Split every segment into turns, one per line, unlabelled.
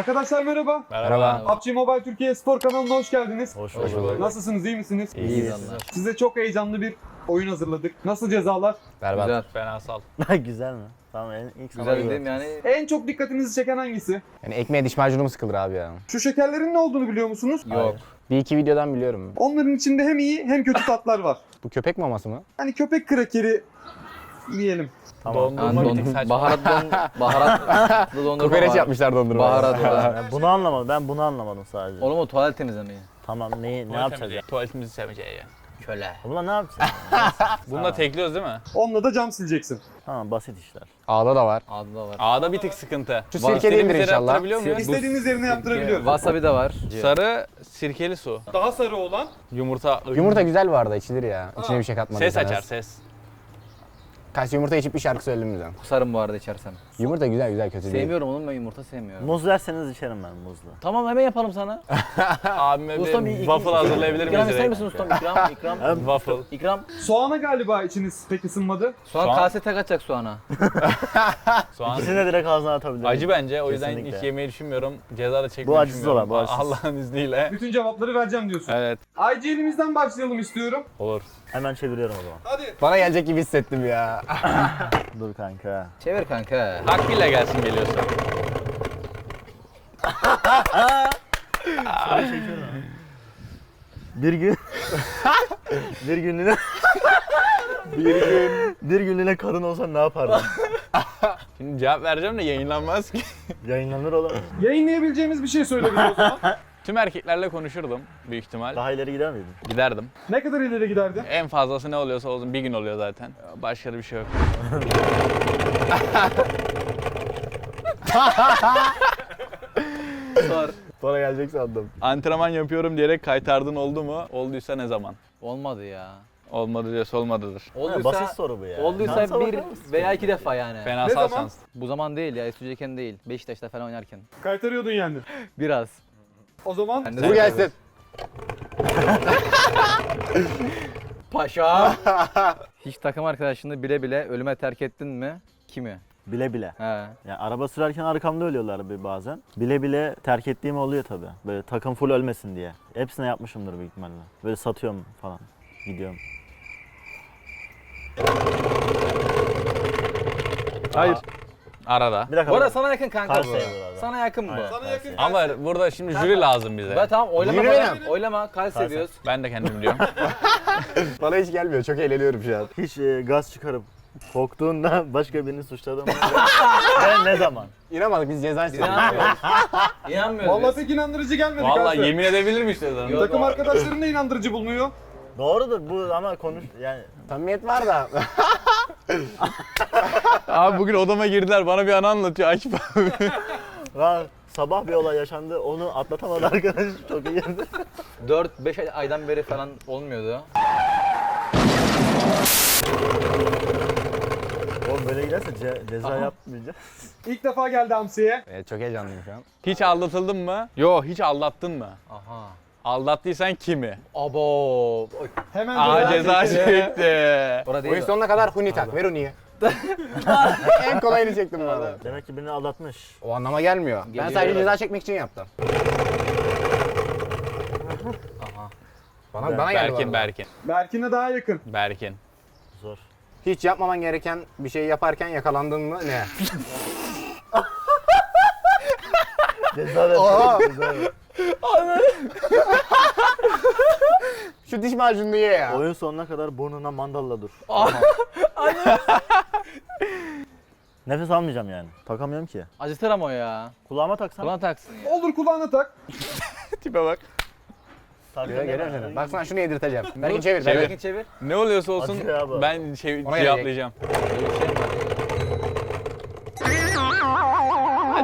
Arkadaşlar merhaba.
Merhaba.
PUBG Mobile Türkiye Spor kanalına hoş geldiniz.
Hoş bulduk.
Nasılsınız, iyi misiniz?
İyiyiz.
Size çok heyecanlı bir oyun hazırladık. Nasıl cezalar?
Berbat.
Güzel.
Fenasal.
Güzel mi? Tamam ilk sana
Güzel
göre.
değil mi yani?
En çok dikkatinizi çeken hangisi?
Yani ekmeğe diş macunu mu sıkılır abi ya?
Şu şekerlerin ne olduğunu biliyor musunuz?
Yok.
Bir iki videodan biliyorum.
Onların içinde hem iyi hem kötü tatlar var.
Bu köpek maması mı?
Hani köpek krakeri diyelim.
Tamam.
Yani baharatlı dondurma
Kokoreç
var.
yapmışlar dondurma.
Baharatlı.
Ben bunu anlamadım. Ben bunu anlamadım sadece.
Oğlum o tuvalet temizlemeyi.
Tamam ne yapacağız ya?
Tuvaletimizi seveceği ya.
Köle.
Bununla ne yapacağız?
Bununla tekliyoruz değil mi?
Onunla da cam sileceksin.
Tamam basit işler.
Ağda da var.
Adı da var.
Ağda bir tık sıkıntı.
Şu sirke değildir inşallah.
İstediğiniz yerine yaptırabiliyorum.
Wasabi de var.
Sarı sirkeli su.
Daha sarı olan
Yumurta.
Yumurta güzel bu arada, içilir ya. İçine bir şey katmadıysanız.
Ses açar ses.
Kaç yumurta içip bir şarkı söyledim bize.
Kusarım bu arada içersem.
Yumurta güzel kötü değil.
Sevmiyorum oğlum, ben yumurta sevmiyorum.
Muz verseniz içerim ben muzlu.
Tamam, hemen yapalım sana.
Abime
Ustam,
bir waffle hazırlayabilir miyiz
İkram ister
direkt?
misin ustam? İkram.
Waffle.
İkram.
soğana galiba içiniz pek ısınmadı.
Soğan
Soğan-
kase tek atacak soğana.
Soğan.
İkisini de direkt ağzına atabilirim.
Acı bence, o yüzden
Kesinlikle.
hiç yemeyi düşünmüyorum. Ceza da çekmeyi
Bu acısız
düşünmüyorum.
olan, bu acısız.
Allah'ın izniyle.
Bütün cevapları vereceğim diyorsun.
Evet.
IGL'imizden başlayalım istiyorum.
Olur.
Hemen çeviriyorum o zaman.
Hadi.
Bana gelecek gibi hissettim ya.
Dur kanka.
Çevir kanka.
Hakkıyla gelsin geliyorsa.
Bir gün bir günlüğüne bir günlüğüne karın olsan ne yapardın?
Şimdi cevap vereceğim de yayınlanmaz ki.
Yayınlanır oğlum.
Yayınlayabileceğimiz bir şey söyle bize o zaman.
Tüm erkeklerle konuşurdum büyük ihtimal.
Daha ileri gider miydin?
Giderdim.
Ne kadar ileri giderdi?
En fazlası ne oluyorsa olsun, bir gün oluyor zaten. Başka da bir şey yok.
Sor.
Bana gelecek sandım.
Antrenman yapıyorum diyerek kaytardın oldu mu? Olduysa ne zaman?
Olmadı ya.
Olmadı diyorsa olmadıdır.
Olduysa,
Basit soru bu ya.
Olduysa
Şansa
bir
bakar mısın?
veya iki defa yani.
Fenasal
zaman?
şans.
Bu zaman değil ya, Esüceyken değil. Beşiktaş'ta falan oynarken.
Kaytarıyordun yani.
Biraz.
O zaman
Ben de
Bu gelsin.
Paşa. Hiç takım arkadaşını bile bile ölüme terk ettin mi? Kimi?
Bile bile.
He.
Yani araba sürerken arkamda ölüyorlar bir bazen. Bile bile terk ettiğim oluyor tabii. Böyle takım full ölmesin diye. Hepsine yapmışımdır büyük ihtimalle. Böyle satıyorum falan. Gidiyorum.
Hayır. Arada.
Bir dakika.
Bu arada sana yakın kanka
Karşı
bu.
sayılır abi.
Sana yakın bu.
Aynen.
sana yakın.
Ama burada şimdi jüri lazım bize.
Ben tamam oylama
Yürü
bana.
benim.
Oylama, Kalse diyoruz.
Ben de kendim biliyorum.
Bana hiç gelmiyor. Çok eğleniyorum şu an.
Hiç gaz çıkarıp korktuğunda başka birini suçladın mı? Ve ne zaman?
İnanmadık, biz ceza istedik.
İnanmıyoruz. İnanmıyoruz.
Vallahi pek inandırıcı gelmedi
Vallahi
kanka.
yemin edebilir mi işte sana?
Takım arkadaşların da inandırıcı bulmuyor.
Doğrudur bu ama konuş yani
Samimiyet var da.
Abi bugün odama girdiler, bana bir anı anlatıyor Akif abi.
sabah bir olay yaşandı onu atlatamadı arkadaş çok iyi.
4-5 aydan beri falan olmuyordu.
Oğlum böyle giderse ceza yapmayacağız.
İlk defa geldi Hamsi'ye.
Evet, çok heyecanlıyım şu an.
Hiç aldatıldın mı? Yo, hiç aldattın mı?
Aha.
Aldattıysan kimi?
Abo.
Hemen
Aa, ceza
çekti.
çekti.
Orada
Oyun
değil.
sonuna kadar huni tak. Ver huniyi. En kolayını çektim bu arada.
Demek ki birini aldatmış.
O anlama gelmiyor. Ben
Geliyor.
sadece ceza çekmek için yaptım.
Aha.
Bana geldi.
Berkin,
bu arada.
Berkin.
Berkin'e daha yakın.
Berkin.
Zor.
Hiç yapmaman gereken bir şey yaparken yakalandın mı? Ne?
Ceza ver. Ceza ver.
Şu diş macununu ye ya.
Oyun sonuna kadar burnuna mandalla dur. Nefes almayacağım yani. Takamıyorum ki.
Acıtır ama o ya.
Kulağıma taksam.
Kulağına taksın.
Olur kulağına tak.
Tipe bak.
Geliyor seni. Baksana şunu yedirteceğim. Berkin çevir.
Çevir.
Berkin çevir.
Ne oluyorsa olsun
Acıyor abi.
ben
Ona
cevaplayacağım.
Öyle bir şey mi var?
Hadi.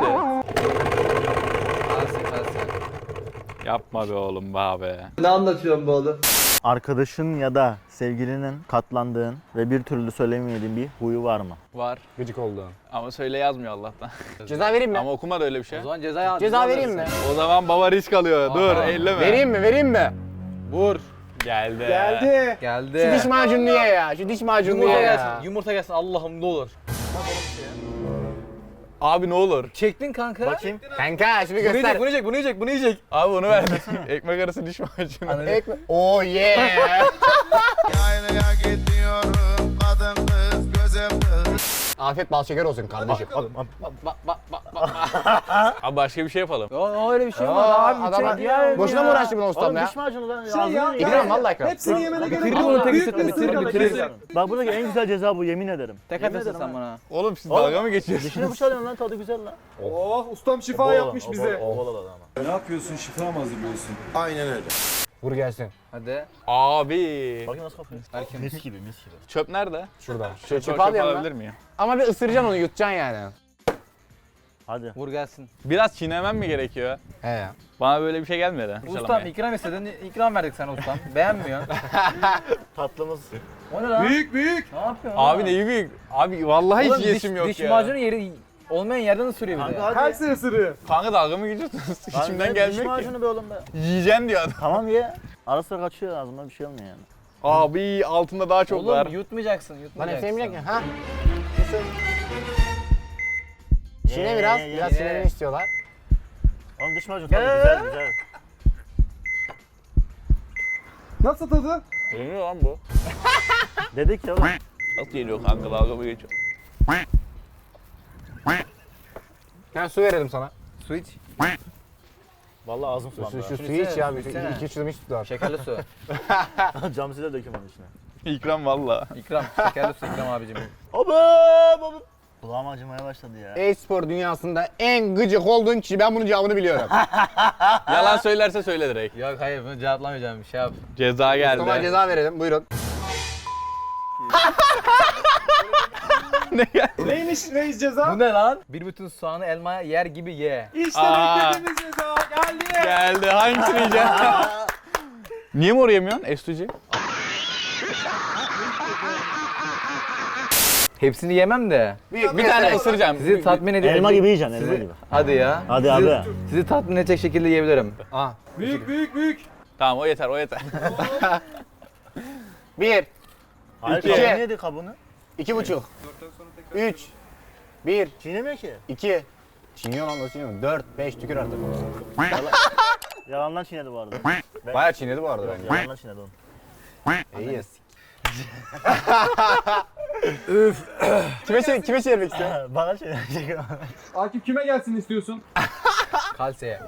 Kalse.
Yapma be oğlum be abi.
Arkadaşın ya da sevgilinin katlandığın ve bir türlü söylemediğin bir huyu var mı?
Var.
Gıcık oldu.
Ama söyle yazmıyor Allah'tan.
Ceza vereyim mi?
Ama okuma da öyle bir şey.
O zaman ceza
Ceza vereyim mi?
verirsin.
O zaman baba risk alıyor. Dur,
Aha.
elleme.
Vereyim mi? Vereyim mi?
Vur. Geldi.
Geldi.
Geldi.
Şu diş macununu ye ya. Şu diş macununu
Yumurta
ye ya.
gelsin. Yumurta gelsin. Allah'ım ne olur.
Abi ne olur.
Çektin kanka.
Bakayım.
Kanka şunu
Bunu
göster.
yiyecek, bunu yiyecek, bunu yiyecek, bunu yiyecek.
Abi onu ver. Ekmek arası diş macunu.
Ekmek. Oh yeah.
Yaylaya gidiyorum kadın kız gözüm kız.
Afiyet bal şeker olsun kardeşim.
Abi başka bir şey yapalım.
O öyle bir şey olmaz abi.
Adama
çek ya.
boşuna mı uğraştın bunu ustam
Oğlum
ya?
diş macunu lan.
Şey ya,
İkram vallahi ikram.
Hepsini yemene gerek
Bitirdi
yok.
bunu tek
Büyük
ısırıkla,
bir
bitirdi,
ısırıkla
bitirdi.
kesin.
Bak buradaki en güzel ceza bu yemin ederim.
Tek
Yemin
atırsın
ederim
sen
ha.
bana.
Oğlum siz
Oğlum,
dalga mı geçiyorsunuz?
Dişini fırçalıyorum lan tadı güzel lan.
Oh ustam şifa yapmış bize.
Ne yapıyorsun? Şifa mı hazırlıyorsun?
Aynen öyle.
Vur gelsin.
Hadi.
Abi.
Bakın nasıl kokuyor.
Erken.
Mis gibi mis gibi.
Çöp nerede?
Şuradan.
Çöp
Şöyle çöp al yanına.
alabilir miyim?
Ama bir ısıracaksın onu yutacaksın yani.
Hadi.
Vur gelsin.
Biraz çiğnemem mi gerekiyor?
He ya.
Bana böyle bir şey gelmedi.
Ustam ikram istedin, ikram verdik sana ustam. Beğenmiyorsun.
Tatlımız.
O ne lan?
Büyük büyük.
Ne yapıyorsun?
Abi
oğlum?
neyi büyük? Abi vallahi
Oğlum
hiç yesim yok
diş
ya.
macunu yeri olmayan yerden ısırıyor bir de.
Kanka
Her
hadi.
sene ısırıyor.
Kanka dalga mı geçiyorsunuz? İçimden
Diş
gelmiyor ki.
macunu be oğlum be.
Yiyeceğim diyor adam.
Tamam ye. Ara sıra kaçıyor ağzımdan bir şey olmuyor yani.
Abi altında daha çok var.
Oğlum yutmayacaksın,
Lan
yutmayacaksın.
efendim ya. Ha? Isır. Çiğne biraz. Biraz
ye.
çiğnemeni istiyorlar.
Oğlum diş macunu tadı güzel güzel.
Nasıl tadı?
Yeniyor lan bu.
Dedik ya oğlum.
Nasıl yeniyor kanka dalga mı geçiyor?
Ben su verelim sana.
Su iç.
Vallahi ağzım sulandı.
Şu
Şunu
suyu iç
içsene,
ya.
su içsene.
2-3 yudum iç tutar.
Şekerli su.
Cam size dökeyim onun içine.
İkram valla.
İkram. Şekerli su ikram abicim.
Abim. Kulağım acımaya başladı ya.
E-spor dünyasında en gıcık olduğun kişi, ben bunun cevabını biliyorum.
Yalan söylerse söyle direkt.
Yok hayır bunu cevaplamayacağım. Bir şey yap.
Ceza geldi.
Tamam ceza verelim, buyurun.
Neymiş reis ceza?
Bu ne lan? Bir bütün soğanı elmaya yer gibi ye.
İşte
Aa.
beklediğimiz ceza geldi.
Geldi. Hangisini yiyeceğim? Niye mor yemiyorsun? Estuci.
Hepsini yemem de.
Bir tane ısıracağım.
Sizi tatmin edecek.
Elma gibi yiyeceksin elma
Sizi-
gibi.
Hadi ya.
Hadi
sizi,
abi.
Sizi tatmin edecek şekilde yiyebilirim.
Aa.
Büyük büyük büyük.
Tamam o yeter o yeter.
1,
Hayır
İki.
kabuğunu yedi kabuğunu.
2,5, 3, 1,
Çiğnemiyor ki.
2. Çiğniyor lan, nasıl çiğniyor? 4, 5 tükür artık.
Yalandan çiğnedi bu arada.
Bayağı çiğnedi bu arada bence.
Yalandan çiğnedi onu.
İyiyiz. Kime çevirmek istiyorsun?
Bana çiğnedi.
Akif kime gelsin istiyorsun?
Kalseye.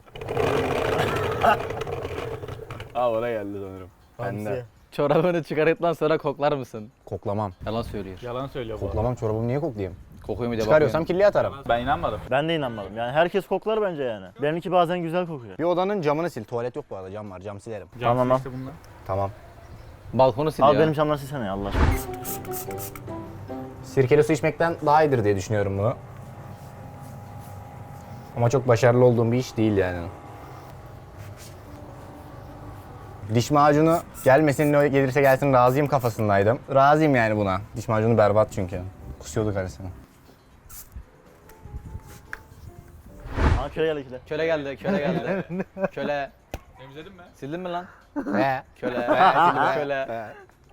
Aa oraya geldi sanırım.
Bende.
Çorabını çıkardıktan sonra koklar mısın?
Koklamam.
Yalan söylüyor.
Yalan söylüyor bu arada.
Koklamam, çorabımı niye koklayayım?
Kokuyor mu diye
Çıkarıyorsam
bakmıyorum.
kirliye atarım.
Ben inanmadım.
Ben de inanmadım. Yani herkes koklar bence yani. Benimki bazen güzel kokuyor.
Bir odanın camını sil. Tuvalet yok bu arada, cam var. Cam silerim.
Tamam al.
Tamam.
Balkonu sil
Al
ya.
benim camdan silsene ya Allah aşkına.
Sirkeli su içmekten daha iyidir diye düşünüyorum bunu. Ama çok başarılı olduğum bir iş değil yani. Diş macunu gelmesin, ne gelirse gelsin razıyım kafasındaydım. Razıyım yani buna. Diş macunu berbat çünkü. Kusuyordu karısını.
Aa köye gel ikile.
Köle geldi, köle geldi. Köle.
Temizledin mi?
Sildin mi lan?
He.
Köle. Köle.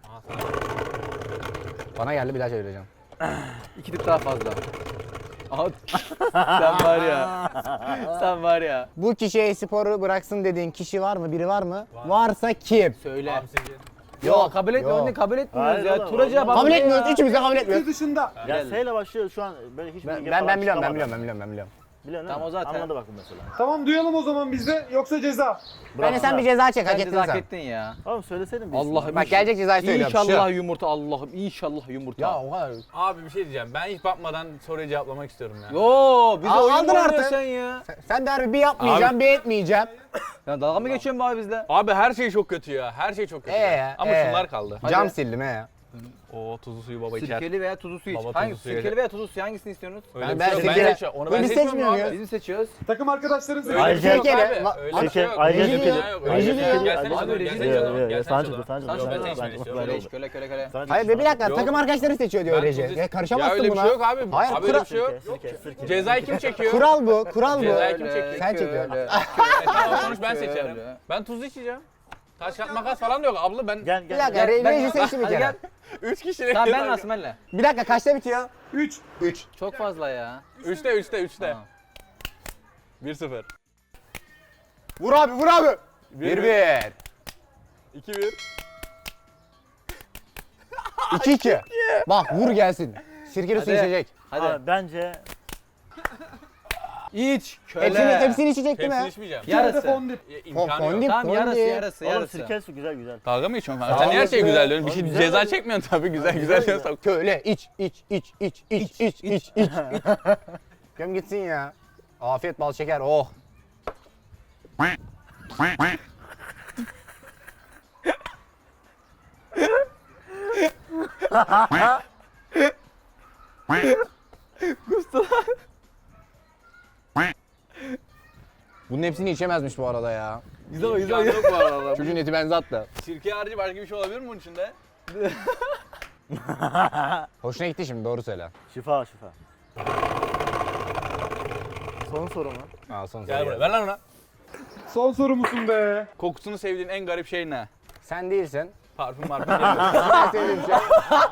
Bana geldi, bir daha çevireceğim.
2 tık daha fazla. Aha. Sen var ya. Sen var ya.
Bu kişiye sporu bıraksın dediğin kişi var mı? Biri var mı? Varsa kim?
Söyle. Yok kabul etmiyoruz.
yok.
Ne kabul etmiyoruz
Hayır
ya.
oğlum,
Turacıya bak.
Kabul
ya.
etmiyoruz. Üçümüz de kabul etmiyoruz.
Ülke dışında.
Ya
Gel.
S ile başlıyor şu an böyle hiçbir bilgi
Ben
falan
biliyorum, ben
çıkamadı.
biliyorum.
Biliyorsun
Tamam,
değil mi?
o zaten.
Anladı bak bu mesela.
Tamam duyalım o zaman biz de yoksa ceza.
Bence sen bir ceza çek, hak
Sen
ettin
ceza hak
sen.
ettin ya.
Oğlum söyleseydin bir
Allah'ım.
isim.
Bak gelecek cezayı söylüyorum.
İnşallah yumurta Allah'ım. İnşallah yumurta.
Ya o kadar.
Abi bir şey diyeceğim. Ben hiç bakmadan soruyu cevaplamak istiyorum ya.
Yo bize
Al-
oyun
aldın
mu
artık.
oynuyorsun sen ya?
Sen de harbi bir yapmayacağım, bir etmeyeceğim.
Ya dalga mı geçiyorsun be abi bizle?
Abi her şey çok kötü ya. Her şey çok kötü. Ya. Ama şunlar kaldı.
Cam sildim he.
O tuzlu suyu baba içer.
Sirkeli veya tuzlu su iç.
Baba tuzlu
Hangi
suyu
sirkeli veya tuzlu su hangisini istiyorsunuz?
Öyle
Ben
bir şey yok.
sirkeli-
seçiyorum. Onu
Bunu
ben
biz
seçmiyorum
seçmiyor
abi.
muyuz?
Biz mi seçiyoruz?
Takım arkadaşların
Öyle
söyledi.
bir şey yok
Sirkeli.
abi. Öyle bir şey yok.
Ayrıca
Reji
sirkeli.
diyor.
Yok,
Reji
öyle bir şey
diyor.
yok. Gelsene
Abi,
çalalım,
reji
gelsene
diyor.
çalalım, gelsene
Sen
çalalım.
çıktı, sen
Sen
çıktı.
ben
söyle.
seçmeni istiyorum.
Köle iç, köle köle köle.
Hayır be bir dakika, takım arkadaşları seçiyor diyor
Ben
Reji.
tuzlu-
Ya karışamazsın
Ya öyle bir
buna.
şey yok abi.
Hayır,
Abi öyle bir şey yok.
Sirke, sirke.
Cezayı kim çekiyor?
Kural bu, kural bu.
Cezayı kim çekiyor?
Sen çekiyorsun.
Tamam, sonuç ben seçerim. Ben tuzlu içeceğim. Taş kağıt makas falan da yok abla ben.
Gel
Bir
gel.
dakika, reji seçti bir
Hadi
kere.
gel.
3 kişilik.
Tamam ben Asmen'le.
Bir dakika, kaçta bitiyor?
3.
3.
Çok fazla ya.
3'te.
Tamam.
1-0.
Vur abi, vur abi. 1-1.
2-1.
2-2. Bak vur gelsin. Sirkeli su
Hadi.
içecek.
Hadi.
Abi bence
İç. Köle.
Hepsini içecek değil
Hepsini
mi?
içmeyeceğim.
Yarısı.
Fondip.
İmkanı yok.
Fondip,
Tamam yarısı
fondip.
yarısı
oğlum
yarısı.
sirke su güzel güzel.
Dalga mı içiyorsun kanka? Sen her şey güzel diyorsun. Bir şey
Güzel
ceza
mi?
çekmiyorsun tabii. Güzel diyorsun.
Köle iç. Göm gitsin ya. Afiyet bal şeker, oh. Bunun hepsini içemezmiş bu arada ya.
İmkanı yok bu arada.
Çocuğun eti benzi attı.
Sirke harici başka bir şey olabilir mi bunun içinde?
Hoşuna gitti şimdi, doğru söyle.
Şifa. Son soru mu?
Aa, son
Gel
soru
buraya.
geldi.
Ver lan ona.
Son soru musun be?
Kokusunu sevdiğin en garip şey ne?
Sen değilsin.
Parfüm sevmiyorum.
En sevdiğim şey.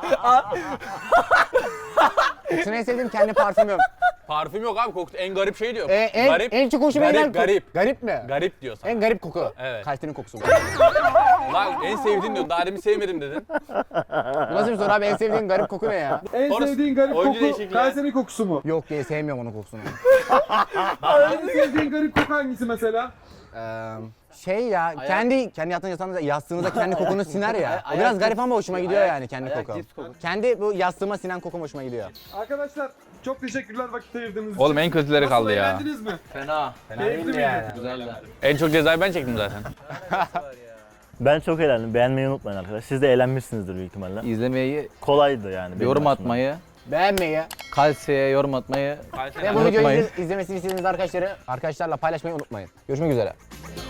Kokusunu en sevdiğim kendi parfümüm.
Parfüm yok abi. Kokusu en garip şey diyor.
En çok hoşuma giden
Garip.
Garip mi?
Garip diyor sana.
En garip koku.
Evet.
Kalitenin kokusu bu.
Lan en sevdiğin diyor. Daha demin sevmedim dedin.
Bu nasıl bir soru abi? En sevdiğin garip koku ne ya?
En
Orası-
sevdiğin garip
oyuncu
koku
değişikliği.
Kayseri kokusu mu?
Yok diye sevmiyorum onun kokusunu.
En sevdiğin garip koku hangisi mesela?
Şey ya, kendi yattığınız yastığınıza kendi kokunu siner ya. O
Ayak
biraz
cips-
garip ama hoşuma gidiyor yani kendi
ayak
koku.
cips kokusu.
Kendi bu yastığıma sinen kokum hoşuma gidiyor.
Arkadaşlar çok teşekkürler vakit ayırdığınız için.
Oğlum en kötüleri
Nasıl,
kaldı ya.
eğlendiniz mi?
Fena.
Keyifli miydi?
Güzeldi.
En çok cezayı ben çektim zaten.
Ben çok eğlendim. Beğenmeyi unutmayın arkadaşlar. Siz de eğlenmişsinizdir büyük ihtimalle.
İzlemeyi,
Kolaydı yani. benim
yorum
açımdan.
atmayı,
Beğenmeyi
kalsiyeye yorum atmayı
ve bu videoyu
unutmayın.
izlemesini istediğiniz arkadaşlarla paylaşmayı unutmayın. Görüşmek üzere.